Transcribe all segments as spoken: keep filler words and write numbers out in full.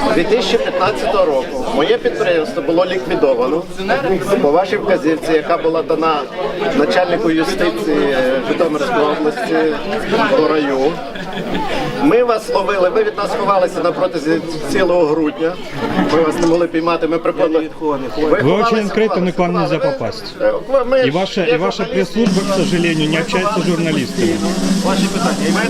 дві тисячі п'ятнадцятого року моє підприємство було ліквідовано по вашій вказівці, яка була дана начальнику юстиції Житомирської області до раю. Ми вас ловили, ви від нас ховалися на протязі цілого грудня. Ми вас не могли піймати, ми приходили. Вы очень открыты, но к вам нельзя попасть. И ваша, и ваша пресс-служба, к сожалению, не общается с журналистами. Ваші питання.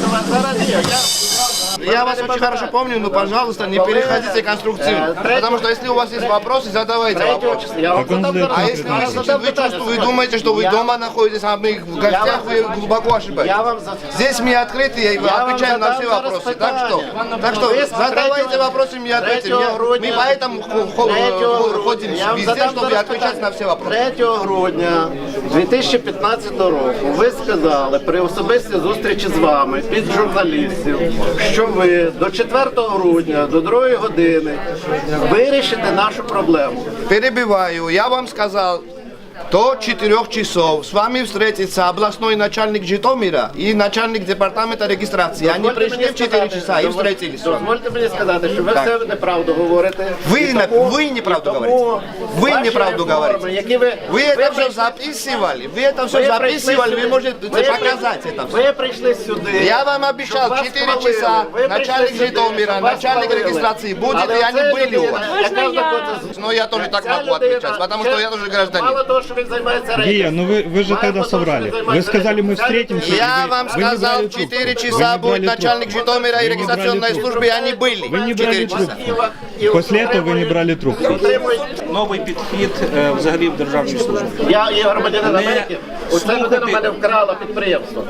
Я вас очень хорошо помню, но, пожалуйста, не переходите конструктивно. Потому что если у вас есть вопросы, задавайте вопросы. А если вы, вы, чувствуете, вы думаете, что вы дома находитесь, а мы в гостях, вы глубоко ошибаетесь. Здесь мы открыты и отвечаем на все вопросы. Так что, так что задавайте вопросы, мы ответим. Мы поэтому ходим везде, чтобы отвечать на все вопросы. третього грудня дві тисячі п'ятнадцятого року ви сказали при особистій зустрічі з вами під журналістів, що ви до четвертого грудня, до другої години вирішите нашу проблему. Перебиваю, я вам сказал, до четырех часов с вами встретится областной начальник Житомира и начальник департамента регистрации. Они пришли в четыре часа и встретились с вами. Дозвольте мені сказати, що ви все неправду говорите. Вы, вы неправду говорите. Вы неправду говорите. Які ви, Вы это все записывали. Вы это все записывали. Вы можете показать это все. Ви прийшли сюди. Я вам обещал, щоб вас четыре хвалили. часа Ви начальник прийшли сюди, Житомира, щоб вас начальник хвалили. регистрации будет, Але и они оця были у людина, вас. яка знаходиться- Но я тоже так ця могу людина, отвечать, потому что я тоже гражданин. Мало того, що він займається Гия, рейдом. ну вы, вы же тогда соврали. Вы сказали, мы встретимся. Я вы- вам вы не сказал, брали в четыре трубку. Вы часа не брали будет начальник трубку. Житомира и Вы не брали регистрационной трубку. службы, и они были. Вы не в брали четыре часа. трубку. После этого вы не брали трубку. Новий підхід е, взагалі в державній службі. Я є громадянин Америки. Оця людина в мене вкрала підприємство.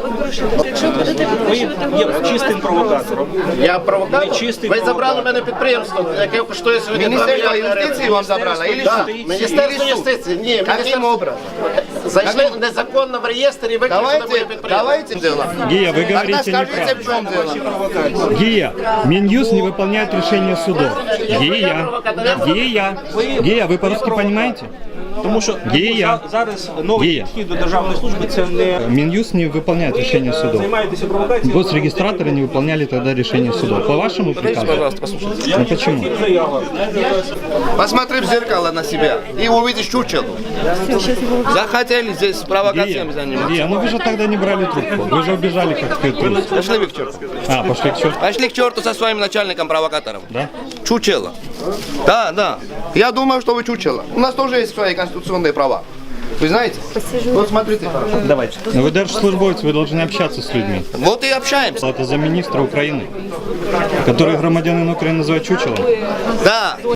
Ви є чистим провокатором. Я провокатор? Ви чистий Ви забрали провокатор. мене підприємство, яке коштує сьогодні два Министерство мільйони юстиции гривень. вам забрало? Или Так, суд? Міністерство Или суд? юстиції. Ні, Каким міністерство образом? зайшли незаконно в реєстр і виключили моє Давайте, підприємство. давайте дело. Гия, вы Тогда говорите скажите, неправду. в чем дело. Гия, Минюст не выполняет решения судов. Гия, Гия, Гия, вы по-русски понимаете? Тому що Гія. за- зараз новий Гія. підхід до державної служби це не Минюст не выполняет решения судов. займаєтеся провокацією. Госрегистраторы не выполняли тогда решение судов. По вашему приказу? Пожалуйста, послушайте. Ну почему? Заява. Посмотри в зеркало на себя и увидишь чучело. Захотели здесь Гия, провокациями заниматься. Гия, ну вы же тогда не брали трубку. Вы же убежали как Петрус. Пошли вы к черту. А, пошли к черту. Пошли к черту со своим начальником-провокатором. Да? Чучело. Да, да. Я думаю, что вы чучело. У нас тоже есть свои конституционные права. Вы знаете? Вот смотрите хорошо. Давайте. Но вы держслужбовец, вы должны общаться с людьми. Вот и общаемся. Это за министра Украины, который громадянин Украины называет чучелом. Да.